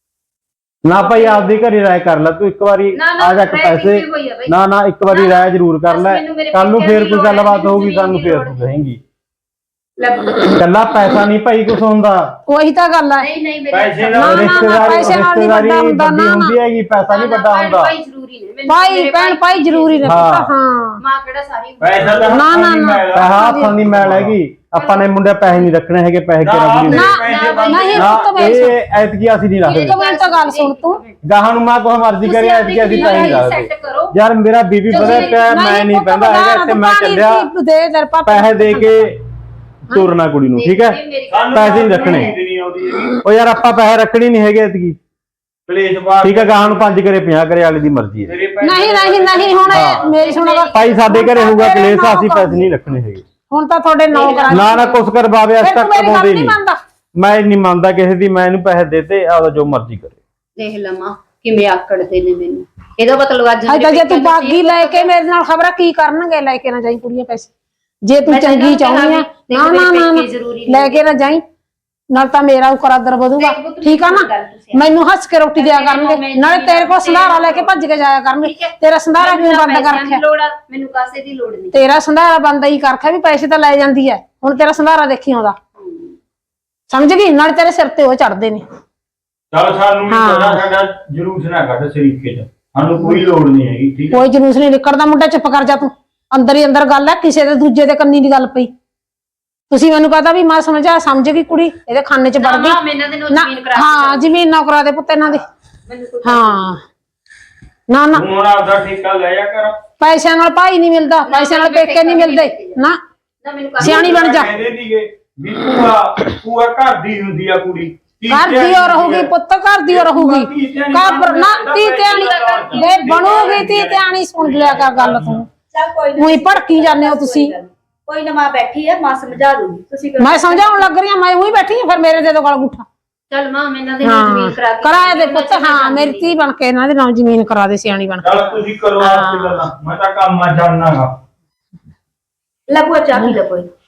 D: ਨਾ ਭਾਈ ਆਪਦੀ ਘਰੇ ਰਾਏ ਕਰ ਲੈ ਤੂੰ ਇੱਕ ਵਾਰੀ
E: ਨਾ, ਨਾ,
D: ਆ ਜਾ ਕੇ
E: ਰਾਏ
D: ਪੈਸੇ
E: ਕੀਤੀ ਹੋਈ ਆ ਬਈ।
D: ਨਾ ਨਾ ਇੱਕ ਵਾਰੀ
E: ਨਾ,
D: ਰਾਏ ਜ਼ਰੂਰ ਕਰ
E: ਬਸ
D: ਲੈ
E: ਮੈਨੂੰ ਮੇਰੇ
D: ਕੱਲ ਨੂੰ
E: ਪੇਕਿਆਂ
D: ਫੇਰ
E: ਦੀ
D: ਕੋਈ
E: ਲੋੜ ਹੈ,
D: ਗੱਲਬਾਤ
E: ਮੈਨੂੰ
D: ਹੋਊਗੀ
E: ਜ਼ਮੀਨ
D: ਸਾਨੂੰ
E: ਦੀ
D: ਫੇਰ
E: ਲੋੜ
D: ਤੂੰ
E: ਹੈ।
D: ਕਹੇਂਗੀ
E: ਲੈ
D: ਕੱਲਾ ਪੈਸਾ ਨਹੀਂ ਭਾਈ ਕੁਛ ਹੁੰਦਾ
B: ਉਹੀ ਤਾਂ ਗੱਲ ਹੈ
E: ਨਹੀਂ ਨਹੀਂ
C: ਪੈਸੇ
E: ਮੇਰੇ
B: ਨਾ, ਨਾ, ਨਾ,
D: ਰਿਸ਼ਤੇਦਾਰੀ
B: ਪੈਸੇ ਨਾਲ ਨਹੀਂ
D: ਰਿਸ਼ਤੇਦਾਰੀ
B: ਵੱਡਾ ਹੁੰਦਾ,
D: ਵੱਡੀ
B: ਨਾ,
D: ਹੁੰਦੀ ਹੈਗੀ ਪੈਸਾ ਨਹੀਂ ਵੱਡਾ ਹੁੰਦਾ
E: ਭਾਈ ਜ਼ਰੂਰੀ ਨੇ ਮੈਨੂੰ
B: ਭਾਈ
E: ਮੇਰੇ
B: ਭੈਣ ਭਾਈ ਜ਼ਰੂਰੀ ਨੇ
D: ਹਾਂ।
B: ਪੁੱਤ ਹਾਂ
E: ਮਾਂ ਕਿਹੜਾ ਸਾਰੀ
C: ਪੈਸਾ ਤਾਂ
B: ਨਾ, ਨਾ, ਨਾ।
D: ਪੈਸਾ ਹੱਥਾਂ ਦੀ ਮੈਲ ਹੈਗੀ ਆਪਾਂ ਨੇ ਮੁੰਡੇ ਪੈਸੇ ਨਹੀਂ ਰੱਖਣੇ ਹੈਗੇ ਪੈਸੇ
C: ਨਾ,
D: ਕਿਹੜਾ
B: ਨਾ
C: ਪੈਸੇ
B: ਨਹੀਂ
D: ਨਾ
B: ਪੁੱਤ ਮੇਰੀ ਸੁਣ
D: ਇਹ ਐਤਕੀ ਅਸੀਂ ਨਹੀਂ
B: ਇੱਕ
D: ਰੱਖਦੇ
B: ਮਿੰਟ ਤਾਂ ਗੱਲ ਸੁਣ ਤੂੰ
D: ਗਾਹਾਂ ਨੂੰ ਮੈਂ ਕੋਈ ਮਰਜ਼ੀ ਕਰੇ ਐਤਕੀ ਅਸੀਂ ਪੈਸੇ ਨਹੀਂ ਰੱਖਦੇ
E: ਸੈੱਟ ਕਰੋ
D: ਯਾਰ ਮੇਰਾ ਬੀਬੀ ਵਧਿਆ ਪਿਆ ਮੈਂ ਨਹੀਂ ਪੈਂਦਾ ਹੈਗਾ ਇੱਥੇ ਮੈਂ ਚੱਲਿਆ
B: ਦੇ ਦਰ ਪਾਪਾ
D: ਪੈਸੇ ਦੇ ਕੇ ਤੋਰਨਾ ਕੁੜੀ ਨੂੰ ਠੀਕ ਹੈ ਪੈਸੇ ਨਹੀਂ ਰੱਖਣੇ ਉਹ ਯਾਰ ਆਪਾਂ ਪੈਸੇ ਰੱਖਣੇ ਨਹੀਂ ਹੈਗੇ ਐਤਕੀ
C: ਕਲੇਸ਼ ਬਾਤ
D: ਠੀਕ ਹੈ ਗਾਹਾਂ ਨੂੰ ਪੰਜ ਕਰੇ ਪੰਜਾਹ ਕਰੇ ਵਾਲੇ ਦੀ ਮਰਜ਼ੀ ਹੈ
B: ਨਹੀਂ ਨਹੀਂ ਨਹੀਂ ਹੁਣ ਇਹ ਮੇਰੀ ਸੁਣੋ ਗੱਲ
D: ਭਾਈ ਸਾਡੇ ਘਰੇ ਹੋਊਗਾ ਕਲੇਸ਼ ਅਸੀਂ ਪੈਸੇ ਨਹੀਂ ਰੱਖਣੇ ਹੈਗੇ
B: ਹੁਣ ਤਾਂ ਤੁਹਾਡੇ ਨੌ ਕਰਾ
D: ਨਾ ਨਾ ਕੁਛ ਕਰਵਾਵੇ ਅੱਜ
B: ਫਿਰ
D: ਤੱਕ
B: ਤੂੰ ਮੇਰੀ ਗੱਲ
D: ਕਮਾਉਂਦੇ
B: ਨਹੀਂ
D: ਨਹੀਂ
B: ਮੰਨਦਾ
D: ਮੈਂ ਨਹੀਂ ਮੰਨਦਾ ਕਿਸੇ ਦੀ ਮੈਂ ਇਹਨੂੰ ਪੈਸੇ ਦੇਤੇ ਆਪਦਾ ਜੋ ਮਰਜ਼ੀ ਕਰੇ
E: ਦੇਖ ਲਵਾਂ ਕਿਵੇਂ ਆਕੜਦੇ ਨੇ ਮੈਨੂੰ ਇਹਦਾ ਮਤਲਬ ਅੱਜ
B: ਅੱਜ ਤਾਂ ਜੇ ਤੂੰ ਬਾਗੀ ਲੈ ਕੇ ਮੇਰੇ ਨਾਲ ਖਬਰਾਂ ਕੀ ਕਰਨਗੇ ਲੈ ਕੇ ਨਾ ਜਾਈ ਕੁੜੀਆਂ ਪੈਸੇ ਜੇ ਤੂੰ
E: ਮੈਂ
B: ਚੰਗੀ
E: ਤੈਨੂੰ
B: ਚਾਹੁੰਦੀ ਆ
E: ਕਿਹਾ
B: ਨਾ
E: ਵੀ
B: ਨਾ ਨਾ
E: ਪੇਕੇ ਜ਼ਰੂਰੀ
B: ਲੈ ਕੇ ਨਾ ਜਾਈ ਨਾਲ ਤਾਂ ਮੇਰਾ ਉਕਰਾਦਰ ਵਧੂਗਾ
E: ਦੇਖ ਪੁੱਤ,
B: ਠੀਕ ਆ ਨਾ
E: ਗੱਲ ਤੁਸੀਂ
B: ਮੈਨੂੰ ਹੱਸ ਕੇ ਰੋਟੀ ਦਿਆ
E: ਮੇਰੇ
B: ਕਰਨਗੇ
E: ਕੋਲ
B: ਨਾਲੇ ਤੇਰੇ ਕੋਲ ਸੰਧਾਰਾ ਲੈ ਕੇ ਭੱਜ ਕੇ ਜਾਇਆ ਕਰਨਗੇ ਤੇਰਾ ਸੰਧਾਰਾ ਕਿਉਂ ਬੰਦ ਕਰ ਰੱਖਿਆ
E: ਲੋੜ ਆ ਮੈਨੂੰ ਕਾਸੇ ਦੀ ਲੋੜ ਨਹੀਂ
B: ਤੇਰਾ ਸੰਧਾਰਾ ਬੰਦ ਹੀ ਕਰ ਰੱਖਿਆ ਵੀ ਪੈਸੇ ਤਾਂ ਲੈ ਜਾਂਦੀ ਐ ਹੁਣ ਤੇਰਾ ਸੰਧਾਰਾ ਦੇਖੀ ਆਉਂਦਾ ਸਮਝ ਗਈ ਨਾਲੇ ਤੇਰੇ ਸਿਰ ਤੇ ਉਹ ਚੜਦੇ ਨੇ
C: ਚਲ ਸਾਨੂੰ ਵੀ ਪਤਾ ਸਾਡਾ ਜਲੂਸ ਨਾ ਕੱਢ ਸ਼ਰੀਕੇ ਚ ਸਾਨੂੰ ਕੋਈ ਲੋੜ ਨਹੀਂ ਹੈਗੀ ਠੀਕ ਹੈ
B: ਕੋਈ ਜਲੂਸ ਨਹੀਂ ਨਿਕਲਦਾ ਮੁੰਡਾ ਚੁੱਪ ਕਰ ਜਾ ਤੂੰ ਅੰਦਰ ਹੀ ਅੰਦਰ ਗੱਲ ਐ ਕਿਸੇ ਦੇ ਦੂਜੇ ਦੇ ਕੰਨੀ ਦੀ ਗੱਲ ਪਈ ਤੁਸੀਂ ਮੈਨੂੰ ਪਤਾ ਵੀ ਮੈਂ ਸਮਝਾ ਸਮਝ ਗਈ ਕੁੜੀ ਇਹਦੇ ਖਾਨੇ ਚ ਵੜ ਗਈ
E: ਨਾ ਮੈਂ ਇਹਨਾਂ ਦੇ ਨਾਲ
B: ਨਾ
E: ਜ਼ਮੀਨ ਕਰਾ
B: ਹਾਂ ਜ਼ਮੀਨ ਨਾ ਕਰਾ ਦੇ ਪੁੱਤ ਇਹਨਾਂ ਦੇ
E: ਮੈਨੂੰ ਕੋਈ
B: ਹਾਂ ਨਾ ਨਾ
C: ਤੂੰ ਹੁਣ ਆਪਦਾ ਠੇਕਾ ਲੈ ਜਾ ਕਰ
B: ਪੈਸਿਆਂ ਨਾਲ ਭਾਈ ਨਹੀਂ ਮਿਲਦਾ ਪੈਸਿਆਂ ਨਾਲ ਪੇਕੇ ਨਹੀਂ ਮਿਲਦੇ ਨਾ
E: ਨਾ ਮੈਨੂੰ ਕਾਸੇ
B: ਸਿਆਣੀ ਬਣ ਜਾ
C: ਕਹਿੰਦੇ ਸੀਗੇ ਵੀ ਭੂਆ ਭੂਆ ਘਰ ਦੀ ਹੁੰਦੀ ਆ ਕੁੜੀ
B: ਘਰ ਦੀ ਹੋ ਰਹੂਗੀ ਪੁੱਤ ਘਰ ਦੀ ਹੋ ਰਹੂਗੀ ਕਾਬਰ ਨਾ ਤੀ ਧਿਆਣੀ ਦੇ ਬਣੂਗੀ ਤੀ ਧਿਆਣੀ ਸੁਣ ਲਿਆ ਕਰ ਗੱਲ ਤੂੰ
A: ਚੱਲ ਕੋਈ
B: ਉਹੀ ਭੜਕੀ ਜਾਂਦੇ ਹੋ ਤੁਸੀਂ
A: ਕੋਈ ਨਾ ਮਾਂ ਬੈਠੀ ਹੈ ਮਾਂ ਸਮਝਾ ਦੂਗੀ ਤੁਸੀਂ
B: ਮੈਂ ਸਮਝਾਉਣ ਲੱਗ ਰਹੀ ਹਾਂ ਮੈਂ ਉਹੀ ਬੈਠੀ ਹਾਂ ਫਿਰ ਮੇਰੇ ਦੇ ਦੋ ਗਲ ਗੁੱਠਾ
E: ਚੱਲ ਮਾਂ ਮੈਂ ਇਹਨਾਂ ਦੇ ਨਾਲ ਜ਼ਮੀਨ ਕਰਾ
B: ਹਾਂ
E: ਕੇ
B: ਕਰਾਇਆ ਦੇ ਪੁੱਤ ਹਾਂ ਮੇਰੀ ਧੀ ਬਣ ਕੇ ਇਹਨਾਂ ਦੇ ਨਾਲ ਜ਼ਮੀਨ ਕਰਾ ਦੇ ਸਿਆਣੀ ਬਣ ਕੇ
C: ਚਲ ਤੁਸੀਂ ਕਰੋ ਆਪਣੀ ਗੱਲਾਂ ਮੈਂ ਤਾਂ ਕੰਮ ਆ ਜਾਣਾਗਾ
A: ਲੈ ਭੂਆ ਚਾਹ ਪੀ ਲੈ ਕੋਈ